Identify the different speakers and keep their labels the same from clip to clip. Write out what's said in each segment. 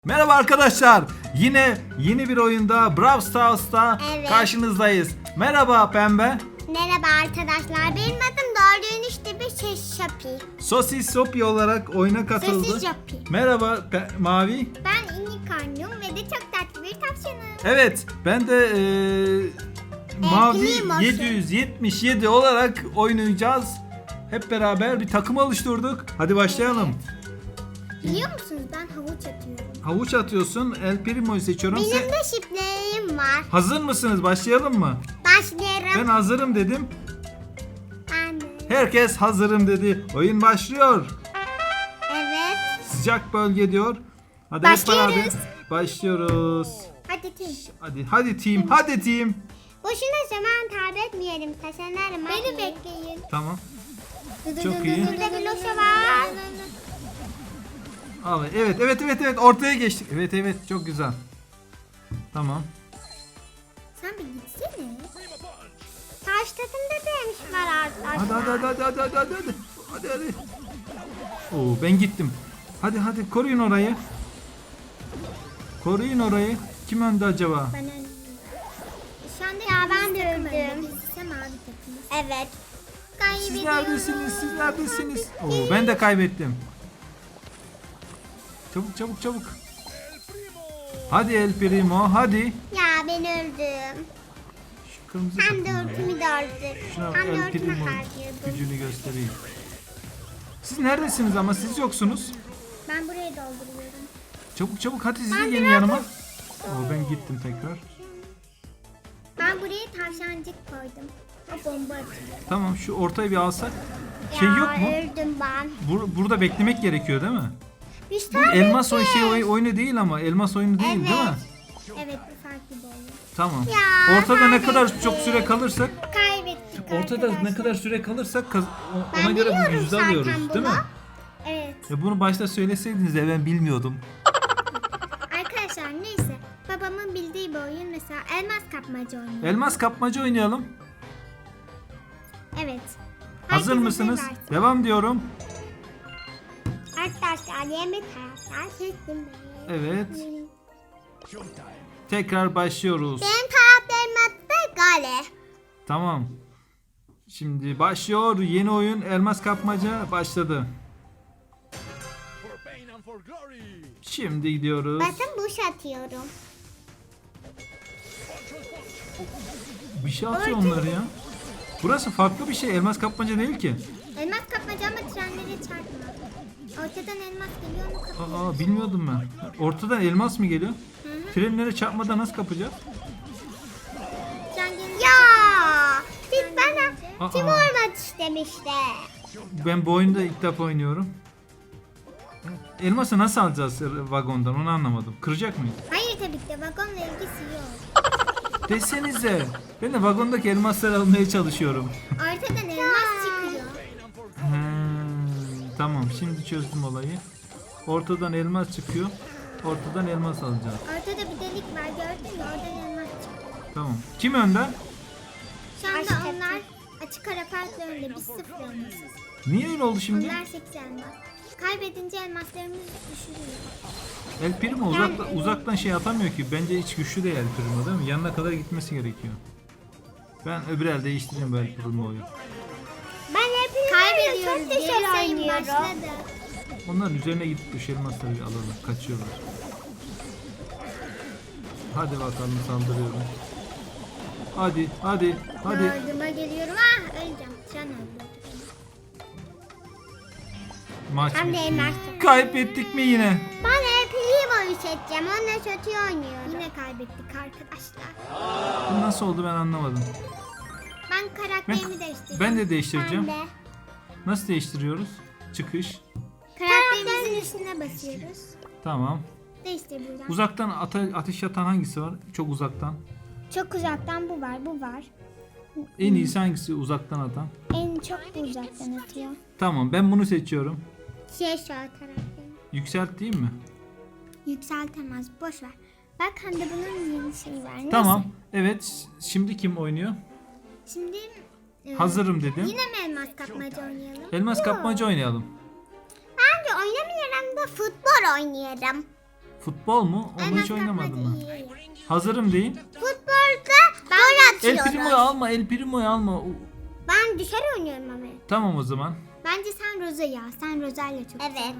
Speaker 1: Merhaba arkadaşlar. Yine yeni bir oyunda Brawl Stars'ta karşınızdayız. Merhaba Pembe.
Speaker 2: Merhaba arkadaşlar. Benim adım Doğru işte bir Şapi.
Speaker 1: Sosis Sopi olarak oyuna katıldı.
Speaker 2: Sosis Sopi.
Speaker 1: Merhaba Mavi.
Speaker 2: Ben unicornum ve de çok tatlı bir tavşanım.
Speaker 1: Evet, ben de Mavi
Speaker 2: Primoşum.
Speaker 1: 777 olarak oynayacağız. Hep beraber bir takım oluşturduk. Hadi başlayalım.
Speaker 2: Biliyor musunuz ben havuç atıyorum.
Speaker 1: Havuç atıyorsun. El Primo'yu seçiyorum.
Speaker 2: Benim de şifrelerim var.
Speaker 1: Hazır mısınız? Başlayalım mı?
Speaker 2: Başlayalım.
Speaker 1: Ben hazırım dedim.
Speaker 2: Ben de.
Speaker 1: Herkes hazırım dedi. Oyun başlıyor.
Speaker 2: Evet.
Speaker 1: Sıcak bölge diyor. Hadi
Speaker 2: Başlıyoruz.
Speaker 1: hep beraber başlıyoruz.
Speaker 2: Hadi Tim.
Speaker 1: Hadi team. Hadi team.
Speaker 2: Boşuna zaman kaybetmeyelim. Taşınırım. Beni bekleyin.
Speaker 1: Tamam. Çok iyi.
Speaker 2: Burada bir loşa var.
Speaker 1: Al. Evet. Ortaya geçtik. Evet. Çok güzel. Tamam.
Speaker 2: Sen bir gitsene. Taş tadında demiş var arkadaşlar.
Speaker 1: Hadi. Oo, ben gittim. Hadi koruyun orayı. Koruyun orayı. Kim önde acaba?
Speaker 2: Ben öldüm. Şu anda ya ben de öldüm. Biz mavi takımız. Evet.
Speaker 1: Siz neredesiniz? Oo, ben de kaybettim. Çabuk. Hadi El Primo, hadi.
Speaker 2: Ya ben öldüm.
Speaker 1: Şu kırmızı
Speaker 2: Hem de
Speaker 1: takımlar ya.
Speaker 2: ultimi de öldü.
Speaker 1: Şuna
Speaker 2: Hem de
Speaker 1: El
Speaker 2: ultimi
Speaker 1: Primo
Speaker 2: harcıyordum.
Speaker 1: gücünü göstereyim. Siz neredesiniz ama siz yoksunuz.
Speaker 2: Ben burayı dolduruyorum.
Speaker 1: Çabuk hadi siz de gelin yanıma. Oo, ben gittim tekrar.
Speaker 2: Ben buraya tavşancık koydum. O bomba atıyor.
Speaker 1: Tamam şu ortayı bir alsak. Şey yok mu?
Speaker 2: Öldüm ben.
Speaker 1: Burada beklemek gerekiyor değil mi?
Speaker 2: Üç
Speaker 1: Bu
Speaker 2: tane
Speaker 1: elmas
Speaker 2: şey.
Speaker 1: oyunu değil ama elmas oyunu değil değil mi?
Speaker 2: Evet bu farklı bir oyun.
Speaker 1: Tamam.
Speaker 2: Ya,
Speaker 1: Ortada ne kadar
Speaker 2: kaybettik.
Speaker 1: çok süre kalırsak,
Speaker 2: Kaybettik
Speaker 1: ortada
Speaker 2: arkadaşlar.
Speaker 1: ne kadar süre kalırsak
Speaker 2: Ben
Speaker 1: ona göre bir
Speaker 2: biliyorum
Speaker 1: yüzde
Speaker 2: zaten
Speaker 1: alıyoruz, değil mi?
Speaker 2: bunu. Evet.
Speaker 1: Bunu başta söyleseydiniz de ben bilmiyordum.
Speaker 2: Arkadaşlar neyse. Babamın bildiği bir oyun mesela elmas kapmaca oynuyor.
Speaker 1: Elmas kapmaca oynayalım.
Speaker 2: Evet.
Speaker 1: Hazır
Speaker 2: Herkes
Speaker 1: mısınız?
Speaker 2: hazır versin.
Speaker 1: Devam diyorum.
Speaker 2: Arkadaşlar yemek taraftar seçtim ben.
Speaker 1: Evet. Tekrar başlıyoruz.
Speaker 2: Benim taraftarım adı Gale.
Speaker 1: Tamam. Şimdi başlıyor. Yeni oyun elmas kapmaca başladı. Şimdi gidiyoruz.
Speaker 2: Bakın buş atıyorum.
Speaker 1: Bir şey atıyor onlar ya. Burası farklı bir şey. Elmas kapmaca değil ki.
Speaker 2: Elmas kapmaca ama trenlere çarpma. Ortadan elmas geliyor mu kapıyor?
Speaker 1: Bilmiyordum ben. Ortadan elmas mı geliyor? Trenlere çarpmadan nasıl kapacağız?
Speaker 2: Ya! Siz bana
Speaker 1: Aa.
Speaker 2: kim olmak istemişti?
Speaker 1: Ben bu oyunda ilk defa oynuyorum. Elması nasıl alacağız vagondan onu anlamadım. Kıracak mıyız?
Speaker 2: Hayır tabii ki de vagonla ilgisi yok.
Speaker 1: Desenize. Ben de vagondaki elmasları almaya çalışıyorum.
Speaker 2: Ortadan elmas çıkıyor.
Speaker 1: Tamam şimdi çözdüm olayı. Ortadan elmas çıkıyor. Ortadan elmas alacağız.
Speaker 2: Ortada bir delik var gördün mü? Oradan elmas çıkıyor.
Speaker 1: Tamam. Kim önde?
Speaker 2: Şu anda onlar açık ara farklı önde. Biz sıfır elmasız.
Speaker 1: Niye öyle oldu şimdi?
Speaker 2: Onlar 8 elmas. Kaybedince elmaslarımız düşürüyor.
Speaker 1: El Primo uzaktan şey atamıyor ki. Bence hiç güçlü değil El Primo değil mi? Yanına kadar gitmesi gerekiyor. Ben öbür el değiştireyim bu El Primo'yu.
Speaker 2: Ben hep kaybediyoruz. Çok düşer oynuyorum.
Speaker 1: Onların üzerine gidip düş elmasları alalım. Kaçıyorlar. Hadi bakalım saldırıyorum. Hadi.
Speaker 2: Yardıma geliyorum. Ah öleceğim. Tren öldü.
Speaker 1: Maç
Speaker 2: Hem de
Speaker 1: bitti.
Speaker 2: elmas.
Speaker 1: Kaybettik mi yine?
Speaker 2: Ben El Primo'yu seçeceğim. Onunla kötü oynuyorum. Yine kaybettik arkadaşlar.
Speaker 1: Bu nasıl oldu ben anlamadım.
Speaker 2: Ben karakterimi değiştirdim.
Speaker 1: Ben de değiştireceğim.
Speaker 2: Ben de.
Speaker 1: Nasıl değiştiriyoruz? Çıkış.
Speaker 2: Karakterimizin üstüne basıyoruz.
Speaker 1: Tamam.
Speaker 2: Değiştir buradan.
Speaker 1: Uzaktan ateş atan hangisi var? Çok uzaktan.
Speaker 2: Çok uzaktan bu var, bu var.
Speaker 1: En iyisi hangisi uzaktan atan?
Speaker 2: En çok bu uzaktan atıyor.
Speaker 1: Tamam ben bunu seçiyorum.
Speaker 2: Şu karakterim.
Speaker 1: Yükselt değil mi?
Speaker 2: Yükseltemez, boş ver. Bak hem de bunun yeni şeyi var. Neyse.
Speaker 1: Tamam. Evet. Şimdi kim oynuyor?
Speaker 2: Şimdi
Speaker 1: Hazırım dedim.
Speaker 2: yine mi elmas kapmaca oynayalım?
Speaker 1: Elmas kapmaca oynayalım.
Speaker 2: Bence oynamıyorum da futbol oynayalım.
Speaker 1: Futbol mu? Onu
Speaker 2: Elmas
Speaker 1: hiç oynamadım
Speaker 2: kapmaca
Speaker 1: ben.
Speaker 2: iyi.
Speaker 1: Hazırım deyin.
Speaker 2: Futbolda gol
Speaker 1: El
Speaker 2: atıyoruz.
Speaker 1: Primo'yu alma, El Primo'yu alma.
Speaker 2: Ben dışarı oynuyorum ama.
Speaker 1: Tamam o zaman.
Speaker 2: Bence sen Roza ya. Sen Roza'yla çok evet.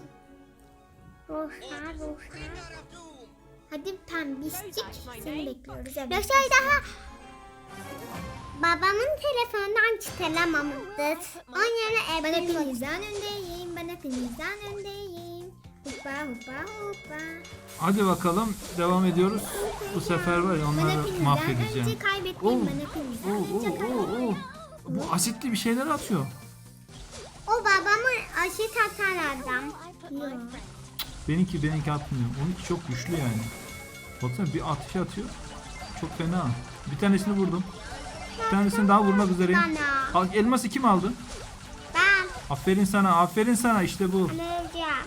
Speaker 2: Roza. Hadi pembişcik. Seni bekliyoruz. Evet. Roza daha babamın telefonundan çıkaramamıştır. Onun yerine bana pinizden öndeyim. Bana pinizden öndeyim. Hoppa hoppa hoppa.
Speaker 1: Hadi bakalım devam ediyoruz. Bu sefer var ya
Speaker 2: Bana
Speaker 1: onları
Speaker 2: pinizden
Speaker 1: mahvedeceğim.
Speaker 2: önce kaybetmeyeyim. Bana pinizden önce kaybetmeyeyim.
Speaker 1: Bu asitli bir şeyler atıyor.
Speaker 2: O babamın aşı tatan adam. Yok.
Speaker 1: Benimki atmıyor. Onunki çok güçlü yani. Baksana bir atış atıyor. Çok fena. Bir tanesini vurdum. Bir tanesini daha vurmak üzereyim.
Speaker 2: Bana.
Speaker 1: Elması kim aldı?
Speaker 2: Ben
Speaker 1: Aferin sana, aferin sana, işte bu.
Speaker 2: alacağım.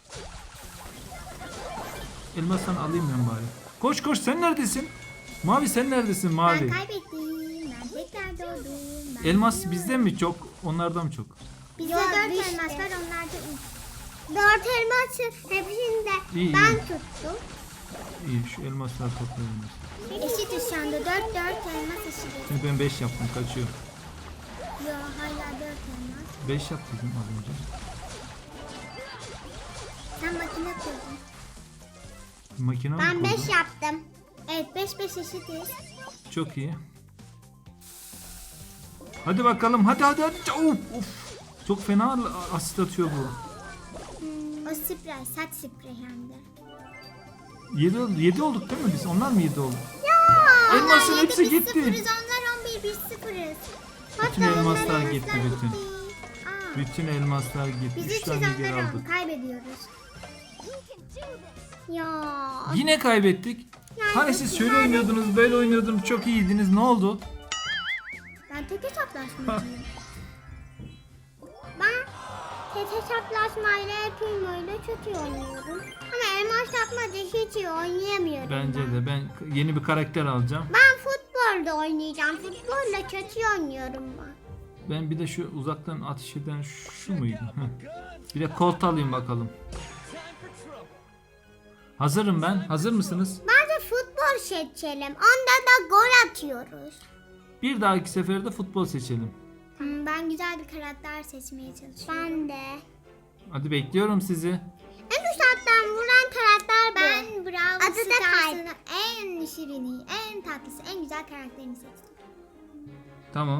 Speaker 1: Elmasını alayım ben bari. Koş koş, sen neredesin? Mavi sen neredesin Mavi?
Speaker 2: Ben kaybettim. Ben tekrar doğdum. Ben
Speaker 1: Elmas
Speaker 2: biliyorum.
Speaker 1: bizde mi çok? Onlardan mı çok?
Speaker 2: Bizde 4 elmas var, onlarda 3. 4 elması hepsini de
Speaker 1: İyi,
Speaker 2: ben
Speaker 1: iyi.
Speaker 2: tuttum.
Speaker 1: İyi, şu elmasları toplayalım.
Speaker 2: Eşitiz şu anda. 4 elmas eşitiz.
Speaker 1: Şimdi ben 5 yaptım, kaçıyor.
Speaker 2: Yo hala 4 elmas.
Speaker 1: 5 yaptım az önce.
Speaker 2: Sen makine kurdun.
Speaker 1: Makine mi
Speaker 2: Ben 5
Speaker 1: kurdun?
Speaker 2: yaptım. Evet 5 eşitiz.
Speaker 1: Çok iyi. Hadi bakalım, hadi. Of, of. Çok fena asit atıyor bu.
Speaker 2: O sprey, saç sprey hem de.
Speaker 1: 7 olduk değil mi biz? Onlar mı 7 oldu?
Speaker 2: Ya!
Speaker 1: Elmasın
Speaker 2: onlar
Speaker 1: hepsi
Speaker 2: 7, biz
Speaker 1: gitti.
Speaker 2: sıfırız, onlar 11 biz sıfırız.
Speaker 1: Bütün
Speaker 2: Hatta
Speaker 1: elmaslar
Speaker 2: onlar
Speaker 1: gitti,
Speaker 2: elmaslar
Speaker 1: bütün.
Speaker 2: Aa,
Speaker 1: Bütün elmaslar gitti.
Speaker 2: biz
Speaker 1: 3
Speaker 2: 300
Speaker 1: tane geri
Speaker 2: onları
Speaker 1: aldık.
Speaker 2: kaybediyoruz. Ya.
Speaker 1: Yine kaybettik.
Speaker 2: Yani
Speaker 1: Hani siz şöyle oynuyordunuz, böyle oynuyordunuz, çok iyiydiniz. Ne oldu?
Speaker 2: Ben tek hesaplaşmacıyım. Ben tek hesaplaşmayla Primo'yla çok iyi oynuyorum. Ama elmas yapmaca hiç iyi oynayamıyorum.
Speaker 1: Bence
Speaker 2: ben.
Speaker 1: de ben yeni bir karakter alacağım.
Speaker 2: Ben futbolda oynayacağım. Futbolla çok iyi oynuyorum ben.
Speaker 1: Ben bir de şu uzaktan ateş eden şu muydu? Heh. Bir de kolt alayım bakalım. Hazırım ben. Hazır mısınız?
Speaker 2: Bence futbol seçelim. Onda da gol atıyoruz.
Speaker 1: Bir dahaki seferde futbol seçelim.
Speaker 2: Ben güzel bir karakter seçmeye çalışıyorum. Ben de.
Speaker 1: Hadi bekliyorum sizi.
Speaker 2: En uzaktan vuran karakter ben Brawl Stars'ın en şirini, en tatlısı, en güzel karakterini seçtim.
Speaker 1: Tamam.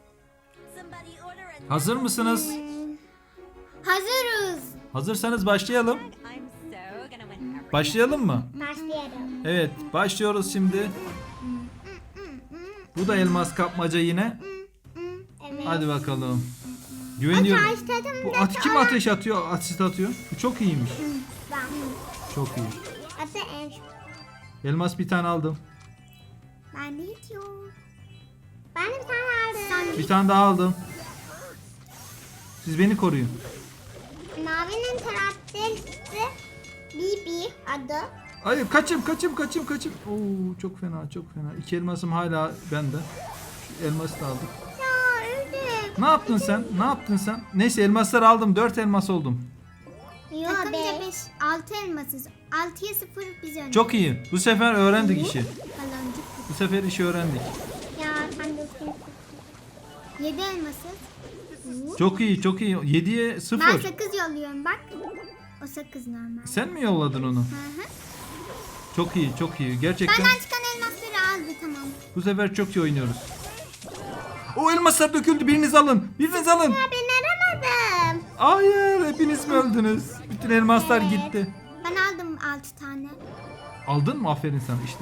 Speaker 1: Hazır mısınız?
Speaker 2: Hazırız.
Speaker 1: Hazırsanız başlayalım. Başlayalım mı?
Speaker 2: Başlayalım.
Speaker 1: Evet, başlıyoruz şimdi. Bu da elmas kapmaca yine.
Speaker 2: Evet.
Speaker 1: Hadi bakalım. Güveniyorum. Bu kim ateş atıyor, asit atıyor? Bu çok iyiymiş.
Speaker 2: Ben.
Speaker 1: Çok iyi.
Speaker 2: Hatta en
Speaker 1: Elmas bir tane aldım.
Speaker 2: ben de hiç yok. Ben de bir tane aldım.
Speaker 1: Bir tane daha aldım. Siz beni koruyun.
Speaker 2: Mavinin karakteri Bibi adı.
Speaker 1: Hayır, kaçım. Oo, çok fena. 2 elmasım hala bende. Şu elması da aldık.
Speaker 2: Ya öldüm.
Speaker 1: Ne yaptın sen? Neyse, elmasları aldım. 4 elmas oldum.
Speaker 2: Yok Takımca 5, 6 elmasız. 6'ya 0 biz öndeyiz.
Speaker 1: Çok iyi. Bu sefer öğrendik işi.
Speaker 2: Baloncuk.
Speaker 1: Bu sefer işi öğrendik.
Speaker 2: Ya sen de 7 elmasız.
Speaker 1: Çok iyi. 7'ye 0.
Speaker 2: Ben sakız yolluyorum bak. O sakız normal.
Speaker 1: Sen mi yolladın onu?
Speaker 2: Hı hı.
Speaker 1: Çok iyi. Gerçekten
Speaker 2: Benden çıkan elmasları aldı tamam.
Speaker 1: bu sefer çok iyi oynuyoruz. O elmaslar döküldü. Biriniz alın.
Speaker 2: Ya ben aramadım.
Speaker 1: Hayır, hepiniz mi öldünüz? Bütün elmaslar
Speaker 2: Evet.
Speaker 1: gitti.
Speaker 2: Ben aldım 6 tane.
Speaker 1: Aldın mı? Aferin sana. İşte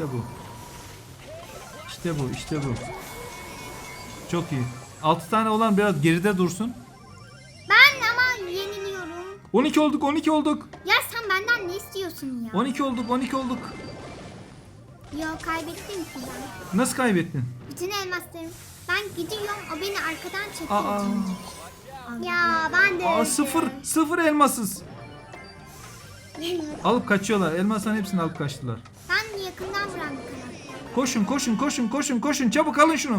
Speaker 1: bu. Çok iyi. 6 tane olan biraz geride dursun.
Speaker 2: Ben ama yeniliyorum.
Speaker 1: 12 olduk.
Speaker 2: Ya sen benden ne istiyorsun ya?
Speaker 1: 12 olduk.
Speaker 2: Yok kaybettim ki ben.
Speaker 1: Nasıl kaybettin?
Speaker 2: Bütün elmaslarım. Ben gidiyorum o beni arkadan çekiyor.
Speaker 1: Aa.
Speaker 2: Ya ben de
Speaker 1: Aa,
Speaker 2: öldüm.
Speaker 1: sıfır elmasız. Alıp kaçıyorlar. Elmasların hepsini alıp kaçtılar.
Speaker 2: Ben yakından vuran bir karakter.
Speaker 1: Koşun. Çabuk alın şunu.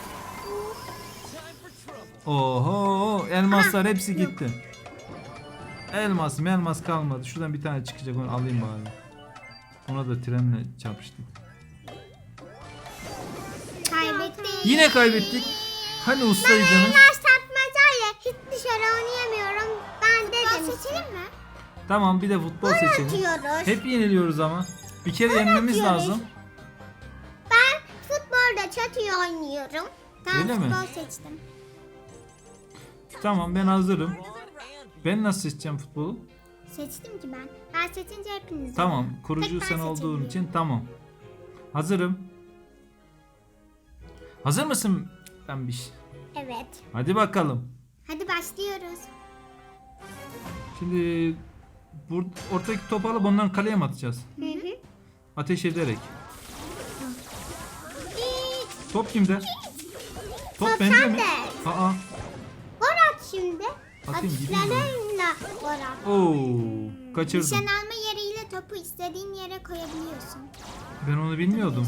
Speaker 1: Oho, elmaslar hepsi gitti. Elmas kalmadı. Şuradan bir tane çıkacak, onu alayım bari. Ona da trenle çarpıştık.
Speaker 2: Kaybettik.
Speaker 1: Yine kaybettik. Hani ustaydınız?
Speaker 2: Bunlar satmacayla hiç dışarı oynayamıyorum. Ben dedim. Seçelim mi?
Speaker 1: Tamam, bir de futbol seçelim.
Speaker 2: Atıyoruz.
Speaker 1: Hep yeniliyoruz ama. Bir kere yenmemiz
Speaker 2: atıyoruz.
Speaker 1: lazım.
Speaker 2: Ben futbolda çatıyı oynuyorum. Tamam,
Speaker 1: Öyle mi?
Speaker 2: futbol seçtim.
Speaker 1: Tamam, ben hazırım. Ben nasıl seçeceğim futbolu?
Speaker 2: Seçtim ki ben. Ben seçince hepiniz.
Speaker 1: Tamam, kurucu
Speaker 2: Tek ben
Speaker 1: sen olduğun
Speaker 2: seçebiliyorum.
Speaker 1: için tamam. Hazırım. Hazır mısın Pembiş?
Speaker 2: Evet.
Speaker 1: Hadi bakalım.
Speaker 2: Hadi başlıyoruz.
Speaker 1: Şimdi ortadaki topu alıp ondan kaleye mi atacağız?
Speaker 2: Hı hı.
Speaker 1: Ateş ederek. Top kimde? Top
Speaker 2: Top
Speaker 1: bende mi?
Speaker 2: sende.
Speaker 1: Aa.
Speaker 2: Gol at şimdi.
Speaker 1: Atayım, gideyim mi?
Speaker 2: Atışlarınla gol at.
Speaker 1: Oo, kaçırdım.
Speaker 2: Nişan alma yeriyle topu istediğin yere koyabiliyorsun.
Speaker 1: Ben onu bilmiyordum.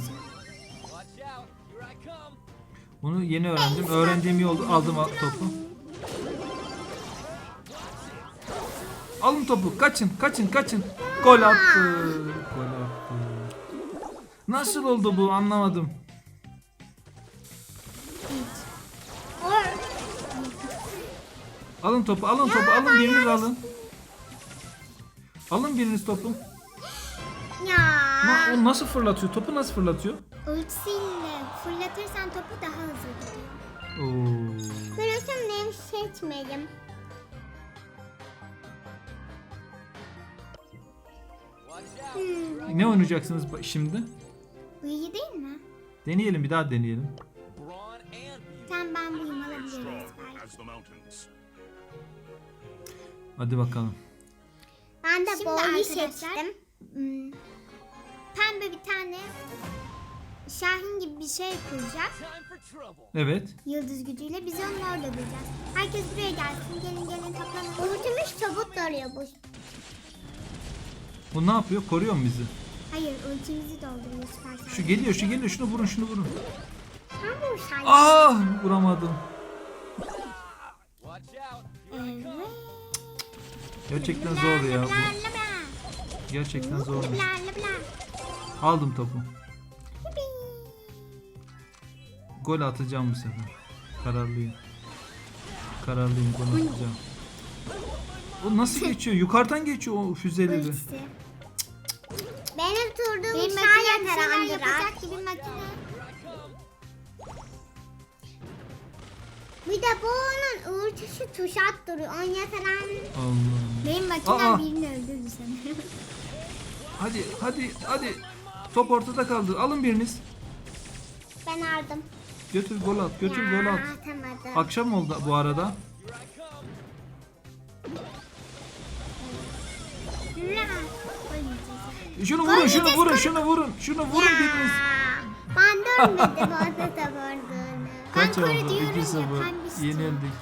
Speaker 1: Bunu yeni öğrendim. Öğrendiğim iyi oldu. Aldım topu. Alın topu. Kaçın, kaçın, kaçın. Gol attı. Gol attı. Nasıl oldu bu? Anlamadım. Alın topu, alın topu, alın biriniz alın. Alın biriniz topu.
Speaker 2: Ya.
Speaker 1: O nasıl fırlatıyor? Topu nasıl fırlatıyor?
Speaker 2: Ultisiyle fırlatırsan topu daha hızlı gidiyor.
Speaker 1: Oo.
Speaker 2: Burasını seçmedim.
Speaker 1: Ne oynayacaksınız şimdi?
Speaker 2: Bu iyi değil mi?
Speaker 1: Deneyelim, bir daha deneyelim.
Speaker 2: Sen ben buyum alabiliriz belki.
Speaker 3: as the mountains.
Speaker 1: Hadi bakalım.
Speaker 2: Ben de
Speaker 4: Şimdi
Speaker 2: boyu
Speaker 4: arkadaşlar,
Speaker 2: seçtim.
Speaker 4: Pembe bir tane Şahin gibi bir şey kuracak.
Speaker 1: Evet.
Speaker 4: Yıldız gücüyle biz onu orada bulacağız. Herkes buraya gelsin. Gelin gelin toplanın.
Speaker 2: Ultimiz çabuk doluyor bu.
Speaker 1: Bu ne yapıyor? Koruyor mu bizi?
Speaker 4: Hayır ultimizi dolduruyor süper sahne.
Speaker 1: Şu geliyor, şu geliyor. Şunu vurun, şunu vurun.
Speaker 2: Tamam sen.
Speaker 1: Ah! Vuramadım.
Speaker 4: Evet.
Speaker 1: Gerçekten zor ya bu.
Speaker 4: Bla bla bla.
Speaker 1: Gerçekten zormuş.
Speaker 4: Bla bla bla.
Speaker 1: Aldım topu. Gol atacağım bu sefer. Kararlıyım. Kararlıyım, gol atacağım. O nasıl geçiyor? Yukarıdan geçiyor o füzeleri.
Speaker 4: Ultisi.
Speaker 2: Benim turduğum
Speaker 4: Benim
Speaker 2: sen
Speaker 4: makine bir
Speaker 2: yeter
Speaker 4: şeyler
Speaker 2: Andra.
Speaker 4: yapacak gibi makine.
Speaker 2: Bir de bu onun ultisi tuş attırıyor. On yeter Andra.
Speaker 1: Allah.
Speaker 4: Benim makinem
Speaker 1: Aa!
Speaker 4: birini öldürdü sanırım.
Speaker 1: Hadi, hadi, hadi. Top ortada kaldı. Alın biriniz.
Speaker 2: Ben aldım.
Speaker 1: Götür gol at, götür gol at.
Speaker 2: Atamadım.
Speaker 1: Akşam oldu bu arada.
Speaker 4: La. Gol yiyeceğiz.
Speaker 1: Şunu vurun, şunu vurun, şunu vurun. Şunu vurun biriniz.
Speaker 2: Ben dönmedim orada da vurduğunu.
Speaker 1: Kaç
Speaker 4: koru
Speaker 1: oldu?
Speaker 4: diyorum ya,
Speaker 1: 2-0.
Speaker 4: pembişti.
Speaker 1: Yenildik.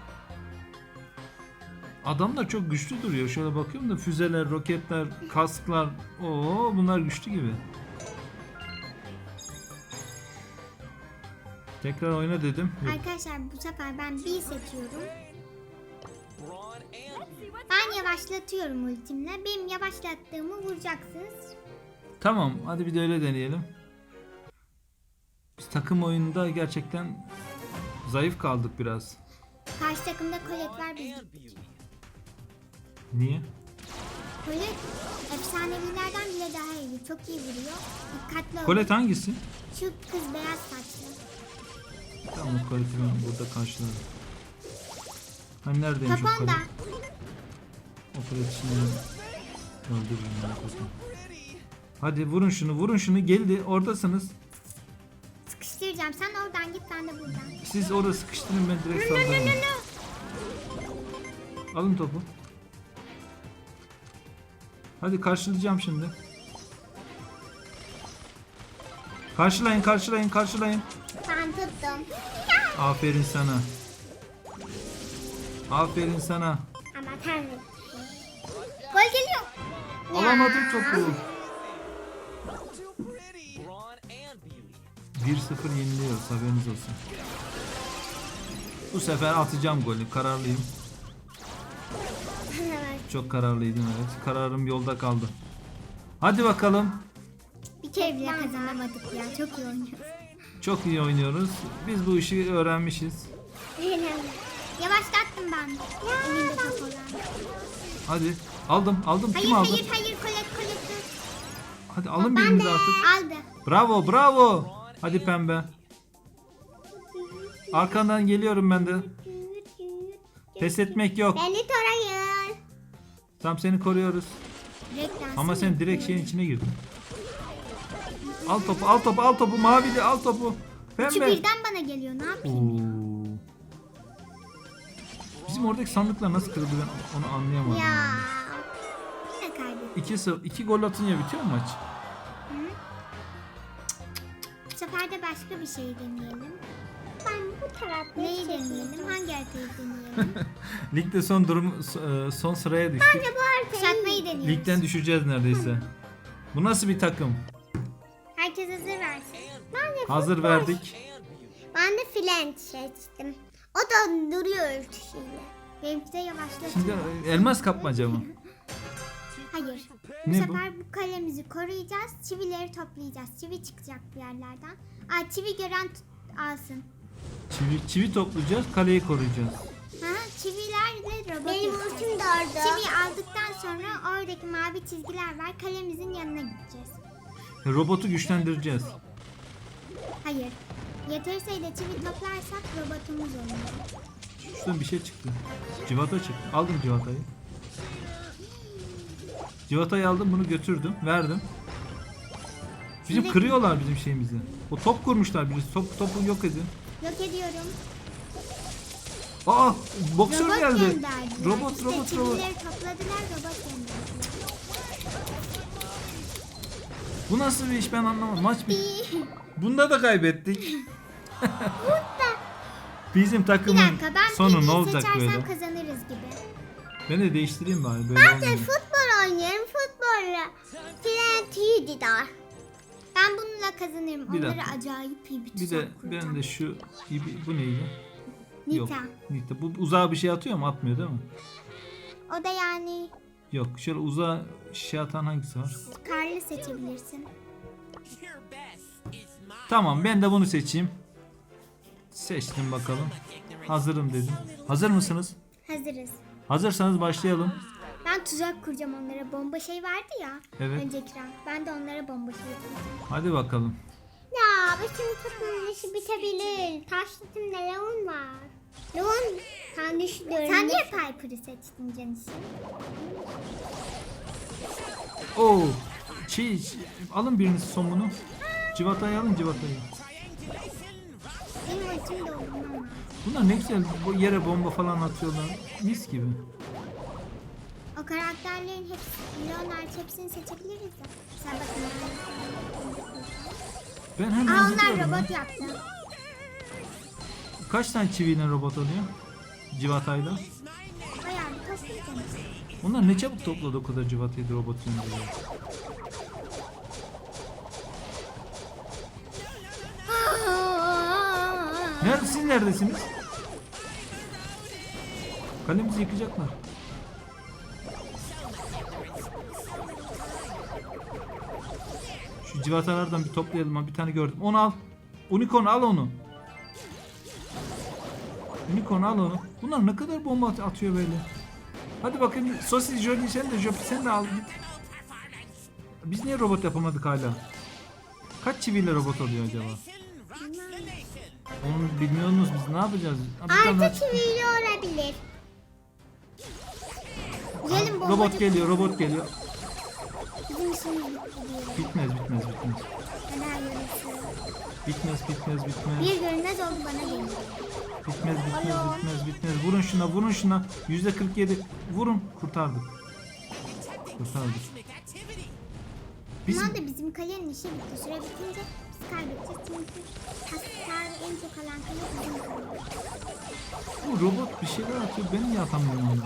Speaker 1: Adamlar çok güçlü duruyor. Şöyle bakıyorum da füzeler, roketler, kasklar. Oo, bunlar güçlü gibi. Tekrar oyna dedim. Yok.
Speaker 4: Arkadaşlar bu sefer ben bir seçiyorum. Ben yavaşlatıyorum ultimle. Benim yavaşlattığımı vuracaksınız.
Speaker 1: Tamam, hadi bir de öyle deneyelim. Biz takım oyununda gerçekten zayıf kaldık biraz.
Speaker 4: Karşı takımda Colette var biz gittik.
Speaker 1: Niye?
Speaker 4: Colette efsanevilerden bile daha iyi. Çok iyi vuruyor. Dikkatli ol.
Speaker 1: Colette hangisi?
Speaker 4: Şu kız beyaz saçlı.
Speaker 1: Tamam, Colette'i ben burada karşıladım. Hani neredeymiş o
Speaker 4: Top onda.
Speaker 1: Colette? O Colette şimdi öldürürüm ben kafamı. Hadi vurun şunu, vurun şunu. Geldi, oradasınız.
Speaker 4: Sıkıştıracağım. Sen oradan git ben de buradan.
Speaker 1: Siz orada sıkıştırın, ben direkt saldırırım. Alın topu. Hadi karşılayacağım şimdi. Karşılayın, karşılayın, karşılayın.
Speaker 2: Ben tuttum.
Speaker 1: Aferin sana. Aferin sana.
Speaker 2: Ama tanrım.
Speaker 4: Gol geliyor.
Speaker 1: Alamadım topu. 1-0 yeniliyoruz, haberiniz olsun. Bu sefer atacağım golü, kararlıyım. Çok kararlıydım, evet. Kararım yolda kaldı. Hadi bakalım.
Speaker 4: kere bile kazanamadık ya. Çok iyi oynuyoruz.
Speaker 1: Çok iyi oynuyoruz. Biz bu işi öğrenmişiz.
Speaker 4: Yavaşlattım ben. Elinde top olan.
Speaker 1: Hadi. Aldım.
Speaker 4: Hayır
Speaker 1: Kim aldı?
Speaker 4: hayır Colette dur.
Speaker 1: Hadi alın birinizi artık.
Speaker 4: Aldı.
Speaker 1: Bravo. Hadi pembe. Arkandan geliyorum ben de. Pes etmek yok.
Speaker 2: Beni tarayın.
Speaker 1: Tam seni koruyoruz.
Speaker 4: Reklam.
Speaker 1: Ama sen direkt şeyin içine girdin. Al topu. Mavili al topu.
Speaker 4: Üçü
Speaker 1: Pembe.
Speaker 4: birden bana geliyor. Ne yapayım ya?
Speaker 1: Oo. Bizim oradaki sandıklar nasıl kırıldı ben onu anlayamadım.
Speaker 2: Ya.
Speaker 4: Yine kaybettim.
Speaker 1: 2 gol atınca bitiyor mu maç?
Speaker 4: Bu sefer de başka bir şey deneyelim.
Speaker 2: Ben bu tarafta
Speaker 4: Neyi deneyelim? Hangi haritayı deneyelim?
Speaker 1: Ligde son sıraya düştük.
Speaker 2: Bu haritayı.
Speaker 4: Kuşatmayı deniyoruz.
Speaker 1: Ligden düşeceğiz neredeyse. Bu nasıl bir takım?
Speaker 4: Herkes hazır versin.
Speaker 1: Hazır verdik.
Speaker 2: Ben de filen seçtim. O da duruyor ölçüsüyle.
Speaker 4: Benimki de yavaşlatıyor.
Speaker 1: Şimdi elmas kapmaca mı?
Speaker 4: Hayır. Bu
Speaker 1: Ne bu?
Speaker 4: sefer bu kalemizi koruyacağız. Çivileri toplayacağız. Çivi çıkacak bir yerlerden. Çivi gören alsın.
Speaker 1: Çivi toplayacağız, kaleyi koruyacağız.
Speaker 4: Çivilerle robot
Speaker 2: Benim
Speaker 4: yapacağız.
Speaker 2: ultim de orada.
Speaker 4: Çiviyi aldıktan sonra oradaki mavi çizgiler var. Kalemizin yanına gideceğiz.
Speaker 1: Robotu güçlendireceğiz.
Speaker 4: Hayır. Yeteri sayıda çivi toplarsak robotumuz olur.
Speaker 1: Şuradan bir şey çıktı. Civata çıktı. Aldım civatayı. Civatayı aldım, bunu götürdüm, verdim. Bizim
Speaker 4: Şimdi-
Speaker 1: kırıyorlar bizim şeyimizi. O top kurmuşlar birisi. Topu yok edin.
Speaker 4: Yok ediyorum.
Speaker 1: Aa, boksör
Speaker 4: Robot
Speaker 1: geldi.
Speaker 4: gönderdiler.
Speaker 1: Robot.
Speaker 4: Çivileri topladılar, robot gönderdiler.
Speaker 1: Bu nasıl bir iş ben anlamadım. Maç Bunda da kaybettik. Bizim
Speaker 4: Bir
Speaker 1: takımın
Speaker 4: dakika, ben
Speaker 1: sonu ne
Speaker 4: Pi'yi
Speaker 1: olacak
Speaker 4: seçersem
Speaker 1: böyle?
Speaker 4: kazanırız gibi.
Speaker 1: Ben de değiştireyim bari böyle
Speaker 2: Ben de
Speaker 1: olmuyor.
Speaker 2: futbol oynuyorum. Futbolla. Filen tüyü didar.
Speaker 4: Ben bununla kazanırım.
Speaker 1: Bir
Speaker 4: Onları
Speaker 1: dakika.
Speaker 4: acayip iyi bir
Speaker 1: Bir de
Speaker 4: tuzak kuracağım.
Speaker 1: ben de şu bu neydi? Yok.
Speaker 4: Nita.
Speaker 1: Nita. Bu uzağa bir şey atıyor mu? Atmıyor değil mi?
Speaker 4: O da yani
Speaker 1: Yok. Şöyle uzağa şey atan hangisi var?
Speaker 4: karlı seçebilirsin.
Speaker 1: Tamam, ben de bunu seçeyim. Seçtim bakalım. Hazırım dedim. Hazır mısınız?
Speaker 4: Hazırız.
Speaker 1: Hazırsanız başlayalım.
Speaker 4: Ben tuzak kuracağım onlara. Bomba şey vardı ya.
Speaker 1: Evet.
Speaker 4: Önceki round. Ben de onlara bomba şey yapacağım.
Speaker 1: Hadi bakalım.
Speaker 2: Ya şimdi takımın işi bitebilir. Taş takımda Leon var. Leon sen düşünüyorum.
Speaker 4: Sen niye Piper'ı seçtin Canis'in?
Speaker 1: Oo. Alın biriniz somunu. Civatayı alın civatayı.
Speaker 4: Benim ultim de oldu ama.
Speaker 1: Bunlar ne güzel bu yere bomba falan atıyorlar. Mis gibi.
Speaker 4: O karakterlerin hepsi, Leonard hepsini seçebiliriz de. Sen bakın.
Speaker 1: Ben hemen
Speaker 4: Onlar
Speaker 1: gidiyorum ya.
Speaker 4: robot yaptı.
Speaker 1: Kaç tane çiviyle robot oluyor? Civatayla.
Speaker 4: Bayağı bir toplayacağım.
Speaker 1: Onlar ne çabuk topladı o kadar civatayı da robot gönderiyor. Siz neredesiniz? Kalemizi yıkacaklar. Şu civatalardan bir toplayalım. Ha, bir tane gördüm. Onu al. Unicorn al onu. Unicorn al onu. Bunlar ne kadar bomba atıyor böyle. Hadi bakın Sosis Jolie sen de al git. Biz niye robot yapamadık hala? Kaç çiviyle robot oluyor acaba? Onu bilmiyorsunuz biz ne yapacağız? Ha, bir tane daha
Speaker 2: Artı
Speaker 1: çıktı.
Speaker 2: çiviyle olabilir.
Speaker 4: Gelin bombacı.
Speaker 1: Robot geliyor.
Speaker 4: Bizim işimiz bitti diyelim.
Speaker 1: Bitmez.
Speaker 4: Neler yarışıyor.
Speaker 1: Bitmez.
Speaker 4: Bir görünmez oldu bana geliyor.
Speaker 1: Bitmez. Vurun şuna. %47. Vurun. Kurtardık. Bizim
Speaker 4: Bunlar da bizim kalenin işi bitti. Süre bitince biz kaybedeceğiz. Çünkü hasar en çok alan kale bizim kale.
Speaker 1: bu robot bir şeyler atıyor. Ben niye atamıyorum onu?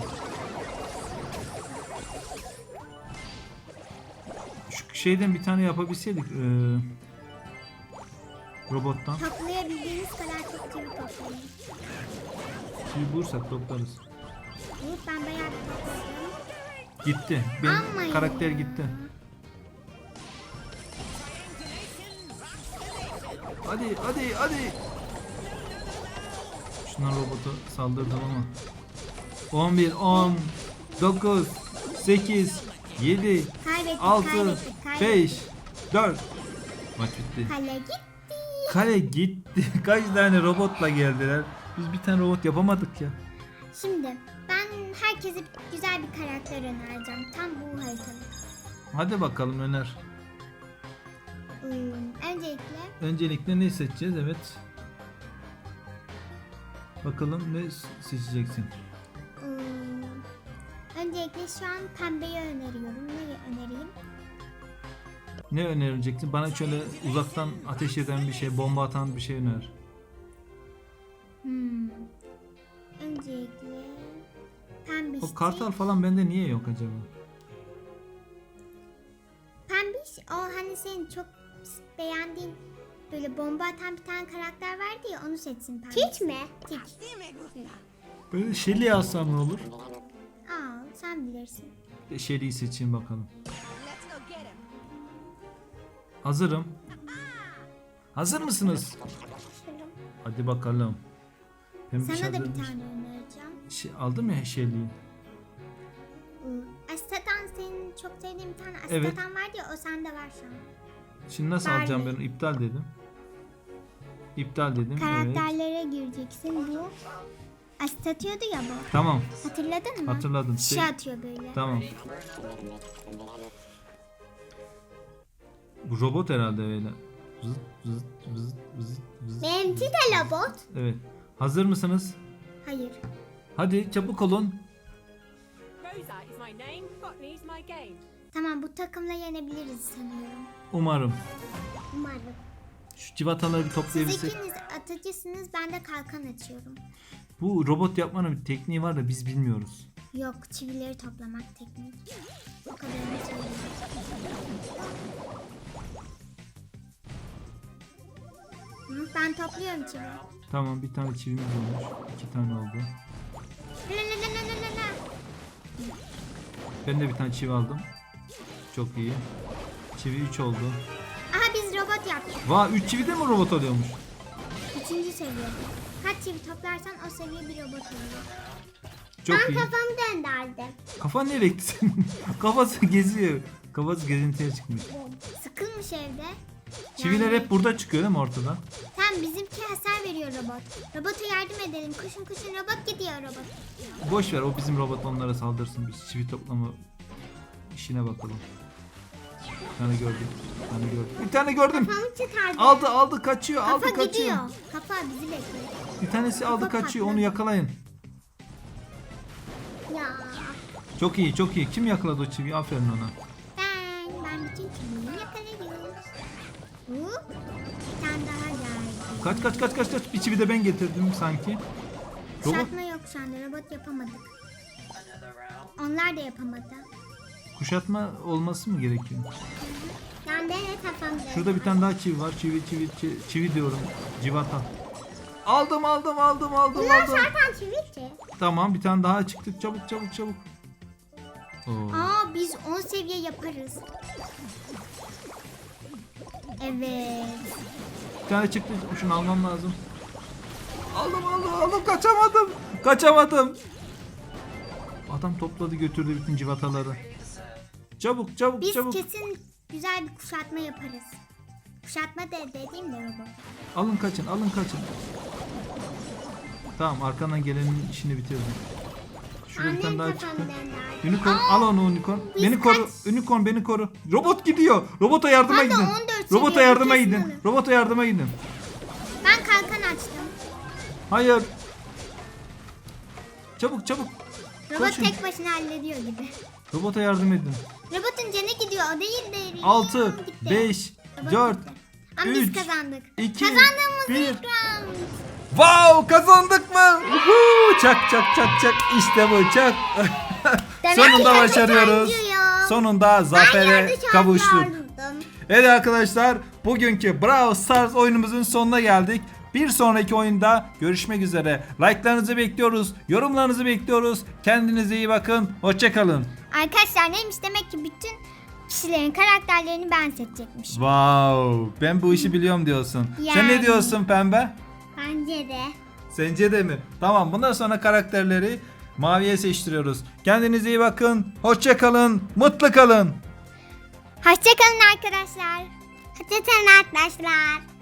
Speaker 1: Şu şeyden bir tane yapabilseydik. Robottan.
Speaker 4: Toplayabildiğiniz kadar çok çivi toplayın.
Speaker 1: Bir bulursak toplarız.
Speaker 4: Evet ben bayağı bir topladım.
Speaker 1: Gitti. Benim
Speaker 4: Ama
Speaker 1: karakter
Speaker 4: ya.
Speaker 1: gitti. Hadi. Şunlar robota saldırdım ama. 11, 10, 9, 8, 7,
Speaker 4: Kaybettik,
Speaker 1: 6,
Speaker 4: kaybettik.
Speaker 1: 5, 4. Maç bitti.
Speaker 4: Kale gitti.
Speaker 1: Kale gitti. Kaç tane robotla geldiler. Biz bir tane robot yapamadık ya.
Speaker 4: Şimdi ben herkese güzel bir karakter önereceğim. Tam bu haritada.
Speaker 1: Hadi bakalım öner.
Speaker 4: Öncelikle
Speaker 1: Öncelikle ne seçeceğiz? Evet. Bakalım ne seçeceksin?
Speaker 4: öncelikle şu an pembeyi öneriyorum. Ne önereyim?
Speaker 1: Ne önereceksin? Bana şöyle uzaktan ateş eden bir şey, bomba atan bir şey öner.
Speaker 4: Öncelikle pembiş.
Speaker 1: O kartal falan bende niye yok acaba?
Speaker 4: Pembiş o hani senin çok beğendiğin böyle bomba atan bir tane karakter vardı ya, onu seçsin pembiş.
Speaker 2: Hiç mi?
Speaker 4: Hiç.
Speaker 1: Böyle Shelly'i alsam ne olur?
Speaker 4: Aa, sen bilirsin.
Speaker 1: Shelly'i seçeyim bakalım. Hazırım. Hazır mısınız? Hadi bakalım. Pembiş
Speaker 4: Sana da bir
Speaker 1: hazırmış.
Speaker 4: tane önereceğim.
Speaker 1: Aldım ya Shelly'i.
Speaker 4: Astatan, senin çok sevdiğin bir tane
Speaker 1: Evet.
Speaker 4: Astatan vardı ya, o sende var şu an.
Speaker 1: Şimdi nasıl
Speaker 4: Barley.
Speaker 1: alacağım ben? İptal dedim. İptal dedim. Evet.
Speaker 4: Karakterlere gireceksin bu. Asit atıyordu ya bu.
Speaker 1: Tamam.
Speaker 4: Hatırladın mı?
Speaker 1: Hatırladım.
Speaker 4: Şişe atıyor böyle.
Speaker 1: Tamam. Bu robot herhalde öyle. Vızıt vızıt vızıt vızıt vızıt.
Speaker 2: Benimki de robot.
Speaker 1: Evet. Hazır mısınız?
Speaker 4: Hayır.
Speaker 1: Hadi çabuk olun.
Speaker 3: Rosa is my name, Botany is my game.
Speaker 4: Tamam, bu takımla yenebiliriz sanıyorum.
Speaker 1: Umarım.
Speaker 2: Umarım.
Speaker 1: Şu civataları bir
Speaker 4: Siz
Speaker 1: toplayabilsek.
Speaker 4: ikiniz atıcısınız, ben de kalkan açıyorum.
Speaker 1: Bu robot yapmanın bir tekniği var da biz bilmiyoruz.
Speaker 4: Yok, çivileri toplamak tekniği. O kadarını söyleyeyim. Ben topluyorum çivi.
Speaker 1: Tamam, bir tane çivimiz olmuş. 2 tane oldu.
Speaker 4: La la la la la la.
Speaker 1: Ben de bir tane çivi aldım. Çok iyi. Çivi 3 oldu.
Speaker 4: Aha, biz robot yaptık.
Speaker 1: Vay, 3 çivi de mi robot oluyormuş?
Speaker 4: 3. seviye. Kaç çivi toplarsan o seviye bir robot oluyor.
Speaker 1: Çok
Speaker 2: Ben
Speaker 1: iyi.
Speaker 2: kafamı döndürdüm.
Speaker 1: Kafan nereye gitti senin? Kafası geziyor. Kafası gezintiye çıkmış.
Speaker 4: Sıkılmış evde.
Speaker 1: Çiviler
Speaker 4: Yani-
Speaker 1: hep burada çıkıyor değil mi ortadan?
Speaker 4: Tamam, bizimki hasar veriyor robot. Robota yardım edelim. Koşun koşun, robot gidiyor robot.
Speaker 1: Boş ver, o bizim robot onlara saldırsın. Biz çivi toplama işine bakalım. Bir tane gördüm. Bir tane gördüm. Bir tane gördüm.
Speaker 2: Kafamı çıkardı.
Speaker 1: Aldı kaçıyor.
Speaker 4: Kafa
Speaker 1: Aldı kaçıyor.
Speaker 4: gidiyor. Kafa bizi bekliyor.
Speaker 1: Bir tanesi aldı
Speaker 4: Kafa
Speaker 1: kaçıyor.
Speaker 4: patladı.
Speaker 1: Onu yakalayın.
Speaker 2: Ya.
Speaker 1: Çok iyi çok iyi. Kim yakaladı o çiviyi? Aferin ona.
Speaker 4: Ben bütün çiviyi yakalıyorum. Hop. Bir tane daha geldi.
Speaker 1: Kaç. Bir çivi de ben getirdim sanki. Robot
Speaker 4: Kuşatma yok şu anda. Robot yapamadık. Onlar da yapamadı.
Speaker 1: kuşatma olması mı gerekiyor?
Speaker 2: Ben de kafamı döndürdüm.
Speaker 1: Şurada bir tane daha çivi var. Çivi diyorum. Civata. Aldım.
Speaker 2: Bunlar zaten çivit ki.
Speaker 1: Tamam, bir tane daha çıktı. Çabuk. Oo.
Speaker 4: Aa, biz 10 seviye yaparız. Evet.
Speaker 1: Bir tane çıktı. Şunu almam lazım. Aldım. Kaçamadım. Adam topladı götürdü bütün civataları. Çabuk.
Speaker 4: Biz kesin güzel bir kuşatma yaparız. Kuşatma dediğim de robot.
Speaker 1: Alın kaçın. Tamam, arkandan gelenin işini bitirdim. Şurada bir tane
Speaker 2: Annem
Speaker 1: daha
Speaker 2: kafamı
Speaker 1: çıktı.
Speaker 2: döndürdü.
Speaker 1: Unicorn, al onu Unicorn.
Speaker 4: biz
Speaker 1: Beni koru.
Speaker 4: kaç-
Speaker 1: Unicorn beni koru. Robot gidiyor. Robota yardıma
Speaker 4: Pardon,
Speaker 1: gidin.
Speaker 4: 14
Speaker 1: Robota
Speaker 4: seviye,
Speaker 1: yardıma
Speaker 4: kesin
Speaker 1: gidin.
Speaker 4: olur.
Speaker 1: Robota yardıma gidin.
Speaker 4: Ben kalkan açtım.
Speaker 1: Hayır. Çabuk.
Speaker 4: Robot
Speaker 1: Koşun.
Speaker 4: tek başına hallediyor gibi.
Speaker 1: Robota yardım edin.
Speaker 4: Robotun canı gidiyor, o değil de.
Speaker 1: 6,
Speaker 4: Gitti.
Speaker 1: 5,
Speaker 4: Robot
Speaker 1: 4,
Speaker 4: gitti. Ama
Speaker 1: 3,
Speaker 4: biz kazandık.
Speaker 1: 2,
Speaker 4: Kazandığımız
Speaker 1: 1.
Speaker 4: ilk round.
Speaker 1: Wow, kazandık mı? Uhu, çak. İşte bu, çak.
Speaker 4: Demek
Speaker 1: Sonunda
Speaker 4: ki
Speaker 1: başarıyoruz.
Speaker 4: kazanıyor.
Speaker 1: Sonunda zafere kavuştuk. Evet arkadaşlar, bugünkü Brawl Stars oyunumuzun sonuna geldik. Bir sonraki oyunda görüşmek üzere. Like'larınızı bekliyoruz, yorumlarınızı bekliyoruz. Kendinize iyi bakın, hoşça kalın.
Speaker 4: Arkadaşlar neymiş, demek ki bütün kişilerin karakterlerini ben seçecekmişim.
Speaker 1: Wow, ben bu işi biliyorum diyorsun. Sen
Speaker 4: Yani.
Speaker 1: ne diyorsun Pembe?
Speaker 2: Bence de.
Speaker 1: Sence de mi? Tamam, bundan sonra karakterleri maviye seçtiriyoruz. Kendinize iyi bakın. Hoşça kalın. Mutlu kalın.
Speaker 4: Hoşçakalın arkadaşlar.
Speaker 2: Hoşçakalın arkadaşlar.